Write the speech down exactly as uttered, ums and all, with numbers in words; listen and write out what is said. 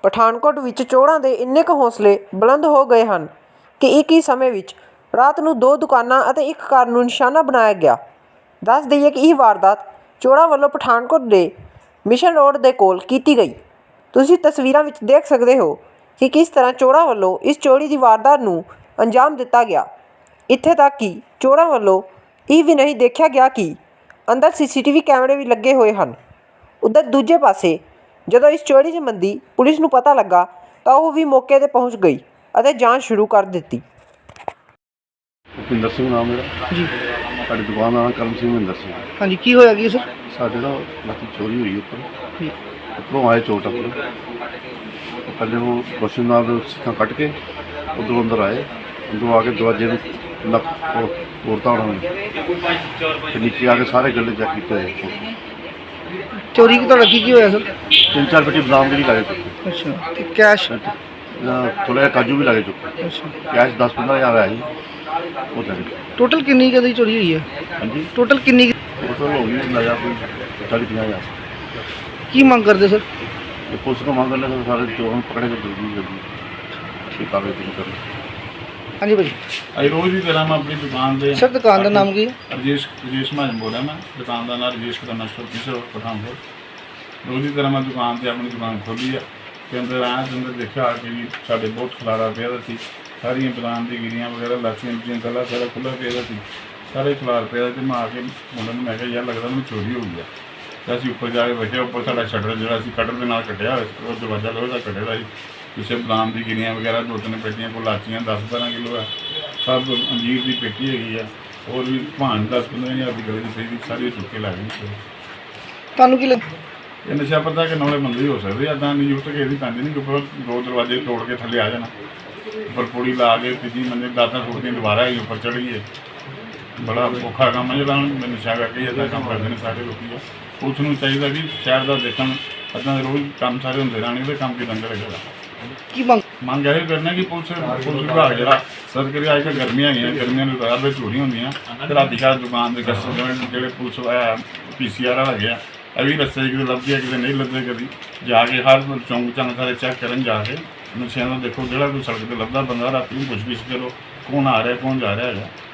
ਪਠਾਨਕੋਟ ਵਿੱਚ ਚੋਰਾਂ ਦੇ ਇੰਨੇ ਕੁ ਹੌਸਲੇ ਬੁਲੰਦ ਹੋ ਗਏ ਹਨ ਕਿ ਇੱਕ ਹੀ ਸਮੇਂ ਵਿੱਚ ਰਾਤ ਨੂੰ ਦੋ ਦੁਕਾਨਾਂ ਅਤੇ ਇੱਕ ਕਾਰ ਨੂੰ ਨਿਸ਼ਾਨਾ ਬਣਾਇਆ ਗਿਆ। ਦੱਸ ਦਈਏ ਕਿ ਇਹ ਵਾਰਦਾਤ ਚੋਰਾਂ ਵੱਲੋਂ ਪਠਾਨਕੋਟ ਦੇ ਮਿਸ਼ਨ ਰੋਡ ਦੇ ਕੋਲ ਕੀਤੀ ਗਈ। ਤੁਸੀਂ ਤਸਵੀਰਾਂ ਵਿੱਚ ਦੇਖ ਸਕਦੇ ਹੋ ਕਿ ਕਿਸ ਤਰ੍ਹਾਂ ਚੋਰਾਂ ਵੱਲੋਂ ਇਸ ਚੋਰੀ ਦੀ ਵਾਰਦਾਤ ਨੂੰ ਅੰਜਾਮ ਦਿੱਤਾ ਗਿਆ। ਇੱਥੇ ਤੱਕ ਕਿ ਚੋਰਾਂ ਵੱਲੋਂ ਇਹ ਵੀ ਨਹੀਂ ਦੇਖਿਆ ਗਿਆ ਕਿ ਅੰਦਰ ਸੀ ਸੀ ਟੀ ਵੀ ਕੈਮਰੇ ਵੀ ਲੱਗੇ ਹੋਏ ਹਨ। ਉੱਧਰ ਦੂਜੇ ਪਾਸੇ ਜਦੋਂ ਇਸ ਚੋਰੀ ਸੰਬੰਧੀ ਪੁਲਿਸ ਨੂੰ ਪਤਾ ਲੱਗਾ ਤਾਂ ਉਹ ਵੀ ਮੌਕੇ 'ਤੇ ਪਹੁੰਚ ਗਈ ਅਤੇ ਜਾਂਚ ਸ਼ੁਰੂ ਕਰ ਦਿੱਤੀ। ਭੁਪਿੰਦਰ ਸਿੰਘ ਨਾਮ ਮੇਰਾ ਜੀ। ਸਾਡੀ ਦੁਕਾਨ ਦਾ ਨਾਮ ਕਰਮ ਸਿੰਘ ਮਹਿੰਦਰ ਸਿੰਘ। ਹਾਂਜੀ, ਕੀ ਹੋਇਆ ਕੀ ਸਰ? ਸਾਡੇ ਨਾ ਰਾਤੀ ਚੋਰੀ ਹੋਈ ਉੱਪਰ ਜੀ। ਉੱਪਰੋਂ ਆਏ ਚੋਰ ਟੱਪਰ। ਪਹਿਲੇ ਉਹ ਰੋਸ਼ਨ ਨਾਲ ਸਿੱਖਾਂ ਕੱਟ ਕੇ ਉੱਧਰੋਂ ਅੰਦਰ ਆਏ। ਅੰਦਰੋਂ ਆ ਕੇ ਦਰਵਾਜ਼ੇ ਨੂੰ ਲੱਕ ਤੋੜਤਾ ਉਹਨਾਂ ਨੇ ਤੇ ਨੀਚੇ ਆ ਕੇ ਸਾਰੇ ਗੱਲੇ ਚੈੱਕ ਕੀਤੇ ਹੋਏ। ਚੋਰੀ ਕੀ ਤੁਹਾਡਾ ਕੀ ਕੀ ਹੋਇਆ ਸਰ? ਤਿੰਨ ਚਾਰ ਪੇਟੀ ਬਦਾਮ ਦੀ ਵੀ ਲਾਗੇ ਚੁੱਕੇ। ਅੱਛਾ, ਤੇ ਕੈਸ਼? ਥੋੜ੍ਹਾ ਜਿਹਾ ਕਾਜੂ ਵੀ ਲਾਗੇ ਚੁੱਕੇ। ਅੱਛਾ, ਕੈਸ਼ ਦਸ ਪੰਦਰਾਂ ਹਜ਼ਾਰ ਆਇਆ ਜੀ ਉਹ ਤਾਂ। ਟੋਟਲ ਕਿੰਨੀ ਕੁ ਦੀ ਚੋਰੀ ਹੋਈ ਹੈ? ਹਾਂਜੀ, ਟੋਟਲ ਕਿੰਨੀ ਟੋਟਲ ਹੋ ਗਈ ਲਾਇਆ ਕੋਈ ਚਾਲੀ ਪੰਜਾਹ ਹਜ਼ਾਰ। ਕੀ ਮੰਗ ਕਰਦੇ ਸਰ? ये पुलिस को मांग करने से सारे चोरों पकड़े के जल्दी जल्दी ठीक है दिन कर। हाँ जी भाई, अभी रोज़ की तरह मैं अपनी दुकान से सर दुकान का नाम की है? रजेश रजेश महाजन बोल रहा मैं। दुकान का नाम रजेश का नक्शा तीसरा पठानकोट। रोज़ की तरह मैं दुकान से अपनी दुकान खोली है के अंदर आया तो अंदर देखा कि साढ़े बहुत खलारा पे थी। सारिया दुकान की गिरियाँ वगैरह लाचियाँ लुचियाँ गला सारा खुला पे थी। सारे खलार पे थे। मैं आके मुंडे मैं क्या यार लगता मैं चोरी हो गया। ਅਸੀਂ ਉੱਪਰ ਜਾ ਕੇ ਵੇਖਿਆ ਉੱਪਰ ਸਾਡਾ ਸ਼ਟਰ ਜਿਹੜਾ ਅਸੀਂ ਕਟਰ ਦੇ ਨਾਲ ਕੱਟਿਆ ਹੋਇਆ ਸੀ, ਉਹ ਦਰਵਾਜ਼ਾ ਲੋਹੇ ਦਾ ਕੱਢਿਆ ਦਾ ਸੀ। ਪਿੱਛੇ ਬਦਾਮ ਦੀ ਗਿਰੀਆਂ ਵਗੈਰਾ ਦੋ ਤਿੰਨ ਪੇਟੀਆਂ, ਕੋਲ ਲਾਚੀਆਂ ਦਸ ਬਾਰਾਂ ਕਿਲੋ ਹੈ, ਸਭ ਅੰਜੀਰ ਦੀ ਪੇਟੀ ਹੈਗੀ ਆ, ਹੋਰ ਵੀ ਭਾਣ ਦਸ ਪੰਦਰਾਂ ਹਜ਼ਾਰ ਦੀ ਗਲੇ ਦੀ ਪਈ ਸਾਰੀ ਚੁੱਕ ਕੇ ਲੱਗ ਗਈ। ਤੁਹਾਨੂੰ ਕੀ ਲੱਗ ਇਹ ਨਸ਼ਾ ਪਤਾ ਕਿ ਨੌਲੇ ਬੰਦੇ ਹੋ ਸਕਦੇ ਇੱਦਾਂ ਨਹੀਂ ਜ਼ਰੂਰਤ ਕਿਸੇ ਦੀ ਪੈਂਦੀ ਨਹੀਂ। ਉੱਪਰ ਦੋ ਦਰਵਾਜ਼ੇ ਤੋੜ ਕੇ ਥੱਲੇ ਆ ਜਾਣਾ, ਉੱਪਰ ਪੌੜੀ ਲਾ ਕੇ ਤੀਜੀ ਮੰਜ਼ਿਲ ਦਾਤਾਂ ਸੁੱਟਦੀਆਂ ਦੁਬਾਰਾ ਹੀ ਉੱਪਰ ਚੜ੍ਹ ਗਈ। ਬੜਾ ਔਖਾ ਕੰਮ ਹੈ ਜਿਹੜਾ ਹੁਣ ਨਸ਼ਾ ਕਰਕੇ ਇੱਦਾਂ ਕੰਮ ਕਰਦੇ ਨੇ ਸਾਰੇ ਲੋਕੀ। ਪੁਲਿਸ ਨੂੰ ਚਾਹੀਦਾ ਕਿ ਸ਼ਹਿਰ ਦਾ ਦੇਖਣ, ਇੱਦਾਂ ਦੇ ਰੋਜ਼ ਕੰਮ ਸਾਰੇ ਹੁੰਦੇ ਰਹਿਣੇ, ਉਹਦੇ ਕੰਮ ਕਿਦਾਂ ਕਰੇਗਾ। ਕੀ ਮੰਗ ਮੰਗ ਇਹ ਕਰਨਾ ਕਿ ਪੁਲਿਸ ਪੁਲਿਸ ਵਿਭਾਗ ਜਿਹੜਾ ਸਰ ਕਰੇ। ਅੱਜ ਕੱਲ੍ਹ ਗਰਮੀਆਂ ਹੈਗੀਆਂ, ਗਰਮੀਆਂ ਨੂੰ ਰਾਤ ਵਿੱਚ ਚੋਰੀਆਂ ਹੁੰਦੀਆਂ ਅਤੇ ਰਾਤੀ ਘਰ ਦੁਕਾਨ ਦੇ ਕਸਟਮਰ ਜਿਹੜੇ ਪੁਲਿਸ ਆਇਆ ਪੀ ਸੀ ਆਰ ਹੈਗੇ ਆ, ਇਹ ਵੀ ਰਸਤੇ 'ਚ ਕਿਤੇ ਲੱਭਦੇ ਆ ਕਿਤੇ ਨਹੀਂ ਲੱਭਦੇ। ਕਦੀ ਜਾ ਕੇ ਹਰ ਚੌਂਕ ਚੰਗ ਸਾਰੇ ਚੈੱਕ ਕਰਨ ਜਾ ਕੇ ਨਸ਼ਿਆਂ ਦਾ ਦੇਖੋ, ਜਿਹੜਾ ਕੋਈ ਸੜਕ 'ਤੇ ਲੱਭਦਾ ਬੰਦਾ ਰਾਤੀ ਨੂੰ ਪੁੱਛ ਗਿੱਛ ਕਰੋ ਕੌਣ ਆ ਰਿਹਾ ਕੌਣ ਜਾ ਰਿਹਾ ਹੈਗਾ।